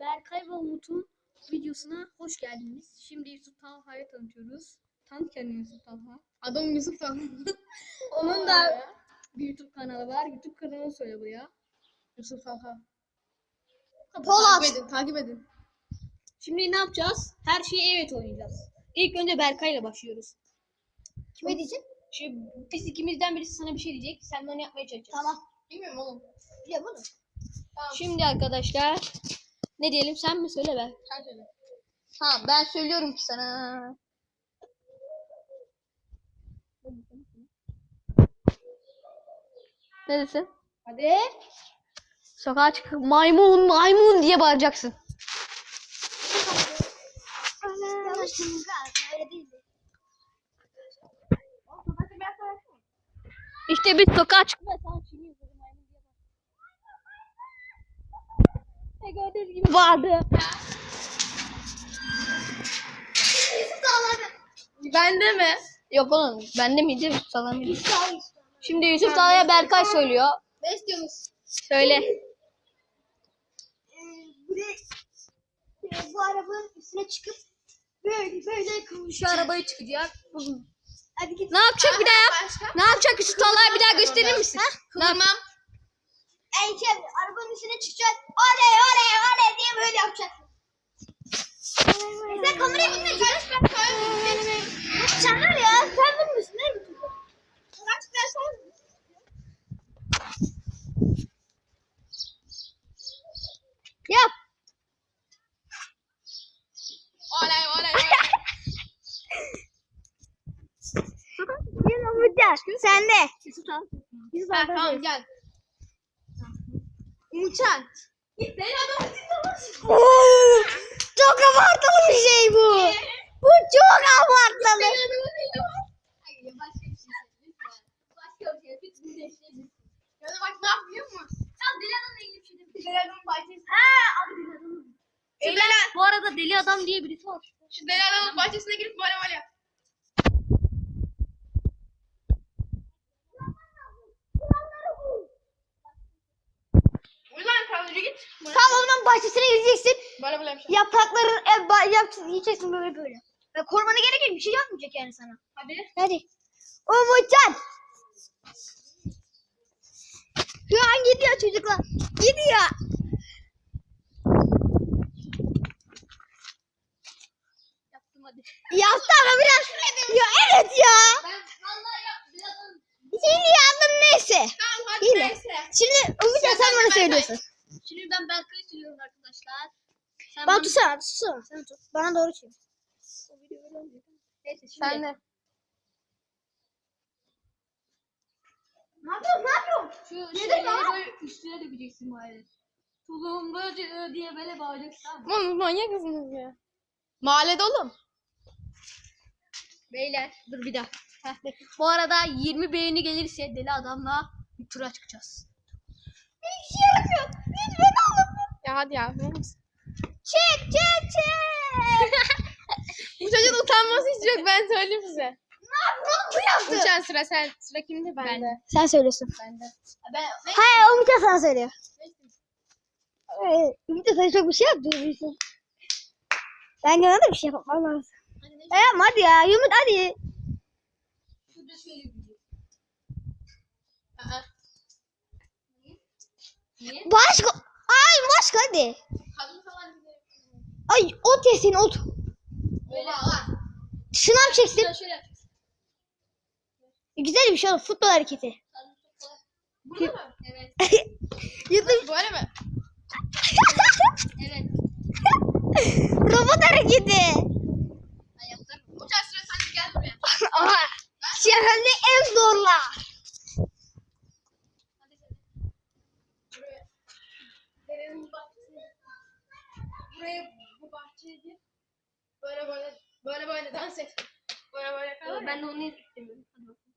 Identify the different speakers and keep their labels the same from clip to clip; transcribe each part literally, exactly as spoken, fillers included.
Speaker 1: Berkay ve Umut'un videosuna hoş geldiniz. Şimdi Yusuf Talha'yı tanıtıyoruz. Tanıt kendini Yusuf Talha.
Speaker 2: Adam Yusuf Talha.
Speaker 1: Onun da bir YouTube kanalı var. YouTube kanalını söyle buraya.
Speaker 2: Yusuf Talha.
Speaker 1: Polat.
Speaker 2: Takip edin, takip edin.
Speaker 1: Şimdi ne yapacağız? Her şeyi evet oynayacağız. İlk önce Berkay'la başlıyoruz.
Speaker 2: Kime diyecek?
Speaker 1: Şimdi biz ikimizden birisi sana bir şey diyecek. Sen de onu yapmaya çalışacaksın.
Speaker 2: Tamam. Bilmiyorum oğlum. Biliyorum oğlum. Tamam.
Speaker 1: Şimdi arkadaşlar ne diyelim, sen mi söyle be?
Speaker 2: Sen söyle. Tamam, ben söylüyorum ki sana.
Speaker 1: Ne desin?
Speaker 2: Hadi.
Speaker 1: Sokağa çık. Maymun maymun diye bağıracaksın.
Speaker 2: Yanlış öyle değildi.
Speaker 1: İşte biz sokağa çıkma. Ne gördüğünüz gibi vardı.
Speaker 2: Bende mi?
Speaker 1: Yok oğlum, bende miydi? Yusuf Talha mıydı? Şimdi Yusuf Talha'ya Berkay söylüyor.
Speaker 2: Ne istiyorsunuz?
Speaker 1: Söyle.
Speaker 2: Ee, buraya, e, bu arabanın üstüne çıkıp böyle böyle
Speaker 1: Şu arabaya çıkacak.
Speaker 2: Hadi git.
Speaker 1: Ne yapacak bir daha yap?
Speaker 2: Başka?
Speaker 1: Ne yapacak Yusuf Talha'ya bir daha gösterir misin? Ne yap-
Speaker 2: Tamam. Enke arabanın üstüne çıkacak. Oley oley oley diye böyle yapacaksın. Sen kamerayı bilmiyorsun. Kardeş ben kamerayı Sen var ya, sen bilmiyorsun değil mi? Kaç ben sana.
Speaker 1: Yap.
Speaker 2: Oley oley oley.
Speaker 1: Yine olacak.
Speaker 2: Sen de.
Speaker 1: Yusuf Talha.
Speaker 2: Yusuf abi tamam gel. Umutcan. Git beni adam dinlemez.
Speaker 1: Çok abartılı bir şey bu. Bu çok abartılı.
Speaker 2: Beni adamı dinlemez. Hayır başka bir şey söyle lütfen. Başka bir şey. Lütfen değiştirebilirsin. Ya da bak ne yapıyor mu? Ya deli adamla ilgili bir şey değil. Deli adamın bahçesi. Ha abi deli adamın.
Speaker 1: Beyler, bu arada deli adam diye birisi var.
Speaker 2: Şu deli adamın bahçesine girip böyle böyle yap. Ulan kalıcı git.
Speaker 1: Tam onun bahçesine gireceksin.
Speaker 2: Böyle böyle yapacağım.
Speaker 1: Yaprakların e, ba- yap, yiyeceksin böyle böyle.
Speaker 2: Ve korumana gerek yok. Bir şey yapmayacak yani sana. Hadi.
Speaker 1: Hadi. Umutcan. Şu an gidiyor çocuklar. Gidiyor.
Speaker 2: Yaptım hadi.
Speaker 1: Yaptı ama biraz. Ya evet ya.
Speaker 2: Ben vallahi yap. Biraz
Speaker 1: Şimdi yaptım neyse.
Speaker 2: Tamam hadi
Speaker 1: Yine.
Speaker 2: neyse.
Speaker 1: Şimdi Umutcan sen bana
Speaker 2: Berkay.
Speaker 1: söylüyorsun.
Speaker 2: Şimdi ben Berkay'ı söylüyorum arkadaşlar. Sen
Speaker 1: Bana tutsana tutsana. Sen tut. Bana doğru çevir.
Speaker 2: Neyse şimdi.
Speaker 1: Sen de.
Speaker 2: Ne yapıyorsun? Ne yapıyorsun?
Speaker 1: Şu
Speaker 2: Nedir
Speaker 1: şeyleri
Speaker 2: lan?
Speaker 1: böyle üstüne dökeceksin bari. Tulumbacı diye böyle bağıracaksın, tamam mı?
Speaker 2: Oğlum manyak mısınız ya? Mahallede oğlum.
Speaker 1: Beyler dur bir daha. Heh, bekle. Bu arada yirmi beğeni gelirse deli adamla bir tura çıkacağız.
Speaker 2: Hiç şey yaramıyor. Lütfen oğlum. Ya hadi ya.
Speaker 1: Çek çek çek.
Speaker 2: Bu çocuğun utanması hiç yok, ben söyleyeyim size.
Speaker 1: Ne yaptın? Bu yaptı.
Speaker 2: Uçan sıra sen. Sıra kimde? Bende.
Speaker 1: Sen söylüyorsun.
Speaker 2: Bende. Ben, ben...
Speaker 1: Hayır, Umutcan sana söylüyor. Evet, Umutcan sana çok bir şey yaptırıyorsun. Ben gene de bir şey yapmam lazım.
Speaker 2: Hadi ne?
Speaker 1: E yapma hadi ya, Umut hadi.
Speaker 2: Şurada şöyle bir video. Aa. Niye? Niye?
Speaker 1: Başka. Ay başka hadi.
Speaker 2: Kadın falan gidelim.
Speaker 1: Ay ot yesin ot.
Speaker 2: Oha lan.
Speaker 1: Sınav çeksin.
Speaker 2: Şöyle şöyle yapacağız.
Speaker 1: Güzel bir şey olur, futbol hareketi.
Speaker 2: Kadın çok kolay. Burada mı? Evet.
Speaker 1: YouTube
Speaker 2: Böyle mi? Evet.
Speaker 1: robot hareketi.
Speaker 2: Ben yaptım. Uçan sıra sen gel buraya.
Speaker 1: Aha. Şehirde en zorla.
Speaker 2: Hadi sen. Buraya. Derenin bahçesine. Buraya bu bahçeye gir. Böyle böyle böyle böyle dans et. Böyle böyle kal.
Speaker 1: Ben de onu istemiyorum.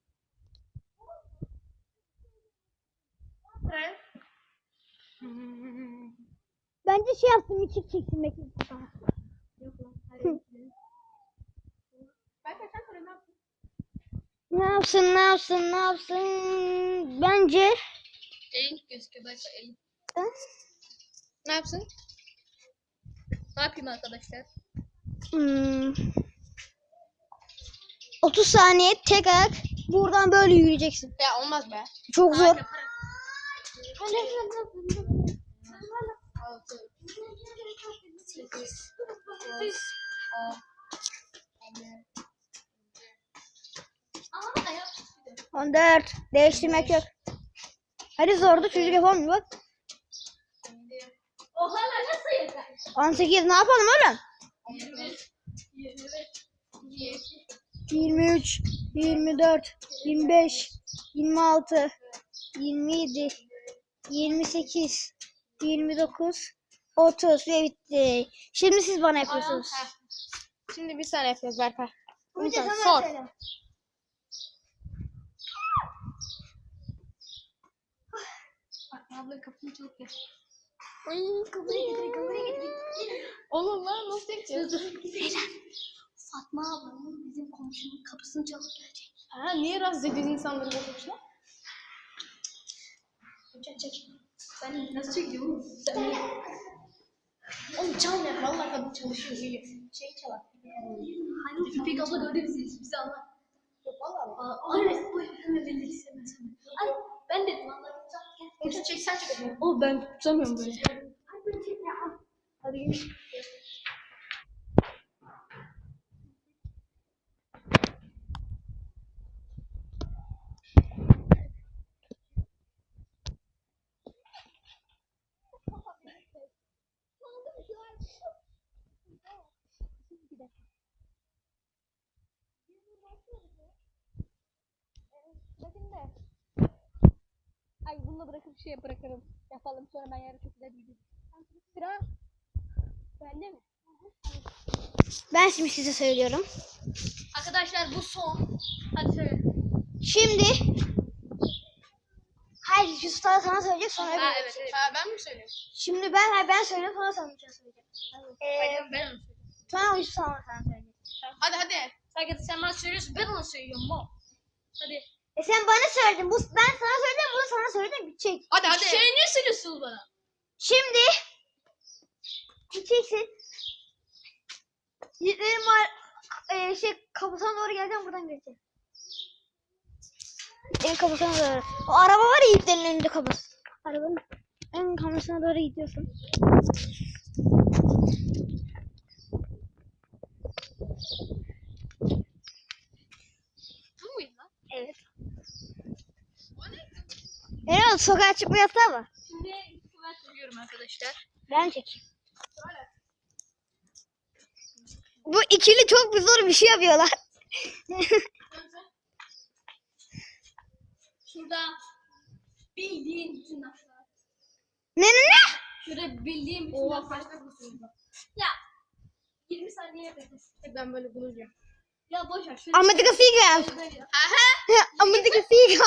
Speaker 2: Buraya.
Speaker 1: Bence şey yaptım, içik çektim bekle.
Speaker 2: Yok lan. Hadi. Belki sen sonra ne yaptın?
Speaker 1: Ne yapsın ne yapsın ne yapsın bence.
Speaker 2: Elin gözüküyor belki elin.
Speaker 1: Ha?
Speaker 2: Ne yapsın?
Speaker 1: Ne yapayım arkadaşlar?
Speaker 3: Hmm. otuz saniye tek ayak buradan böyle yürüyeceksin.
Speaker 2: Ya olmaz be.
Speaker 3: Çok zor.
Speaker 1: Harika para.
Speaker 2: Altı. Sekiz.
Speaker 1: Aa ayak.
Speaker 3: on dört. Değiştirmek yok. Hadi zordu çocuk yapamıyor bak.
Speaker 1: Oha lan nasıl yeter?
Speaker 3: on sekiz ne yapalım oğlum?
Speaker 1: yirmi. yirmi beş.
Speaker 3: yirmi üç, yirmi dört, yirmi beş, yirmi altı, yirmi yedi, yirmi sekiz, yirmi dokuz, otuz ve bitti. Şimdi siz bana yapıyorsunuz.
Speaker 2: Şimdi bir saniye yapıyoruz Berkay.
Speaker 3: Bir de
Speaker 2: Lütfen
Speaker 3: sana
Speaker 2: sor.
Speaker 3: söyle.
Speaker 1: Bak abla kapını çalıp gel.
Speaker 2: Ay,
Speaker 1: Kapıyı getirin kapıyı getirin.
Speaker 2: oğlum lan nasıl edeceğiz?
Speaker 1: Fatma ablanın bizim komşunun kapısını çalıp gelecek.
Speaker 2: Ha niye rahatsız ediyoruz insanları boşuna?
Speaker 1: Çek çek. Ben nasıl çekiyorum? Sen
Speaker 2: Oğlum çalma. Vallahi kadın çalışıyor iyi. Şey çalar.
Speaker 1: hani İpek abla gördü bizi. Bizi anlar.
Speaker 2: Yok vallahi.
Speaker 1: Aa, ay bu hemen belli istemez. Ay ben dedim anlar. Gel.
Speaker 2: Gel çek sen çek.
Speaker 1: O ben tutamıyorum böyle.
Speaker 2: Hadi çek ya.
Speaker 1: Hadi gel. Ay bunu bırakıp şey bırakalım. Yapalım sonra ben yarın çok güzel bir sıra bende mi?
Speaker 3: Ben şimdi size söylüyorum.
Speaker 1: Arkadaşlar bu son. Hadi söyle.
Speaker 3: Şimdi hayır Yusuf sana sana söyleyecek sonra
Speaker 1: Ha
Speaker 3: öbürü.
Speaker 1: evet evet.
Speaker 2: Ha ben mi söylüyorum?
Speaker 3: Şimdi ben hayır ben söyleyeyim sonra sana bir şey söyleyeceğim. Ee,
Speaker 1: Ben, ben onu söyleyeyim.
Speaker 3: sonra Yusuf sana sana söyleyecek.
Speaker 2: Hadi hadi.
Speaker 1: Sanki sen bana söylüyorsun ben onu söylüyorum mo. Hadi.
Speaker 3: E sen bana söyledin. Bu ben sana söyledim, bunu sana söyledim bitecek.
Speaker 2: Hadi hadi.
Speaker 1: Şey niye söylüyorsunuz bana?
Speaker 3: Şimdi gideceksin. Yiğitlerin var e, şey kapısına doğru geleceğim buradan geçeceğim. En kapısına doğru. O araba var ya Yiğitlerin önünde kapısı. Arabanın en kapısına doğru gidiyorsun.
Speaker 1: Bu muydu lan?
Speaker 3: Evet. Herhalde sokağa çıkma yasağı var.
Speaker 1: Şimdi ben söylüyorum arkadaşlar.
Speaker 3: Ben çekeyim. Bu ikili çok bir zor bir şey yapıyorlar.
Speaker 1: Şurada bildiğin bütün laflar.
Speaker 3: Ne ne ne?
Speaker 1: Şurada bildiğin bütün
Speaker 2: Oha
Speaker 1: laflar.
Speaker 2: kaç dakika sürdü?
Speaker 1: Ya yirmi saniye beklesin.
Speaker 2: Ben böyle bulacağım.
Speaker 1: Ya boş ver. Şöyle
Speaker 3: Amerika Figa.
Speaker 1: şöyle-
Speaker 3: Amerika Figa.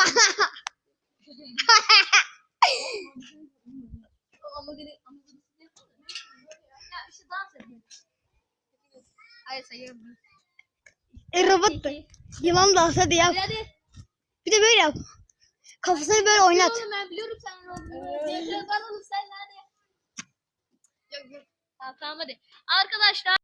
Speaker 1: O ama gene ama gene ya işte dans ediyor. Hayır sayıyorum.
Speaker 3: E, robot da. Yılan dans hadi yap.
Speaker 1: Hadi hadi.
Speaker 3: Bir de böyle yap. Kafasını böyle oynat.
Speaker 1: Oğlum ben biliyorum sen ne olduğunu. Nefret alalım sen hadi.
Speaker 2: Yok yok.
Speaker 1: Tamam tamam hadi. Arkadaşlar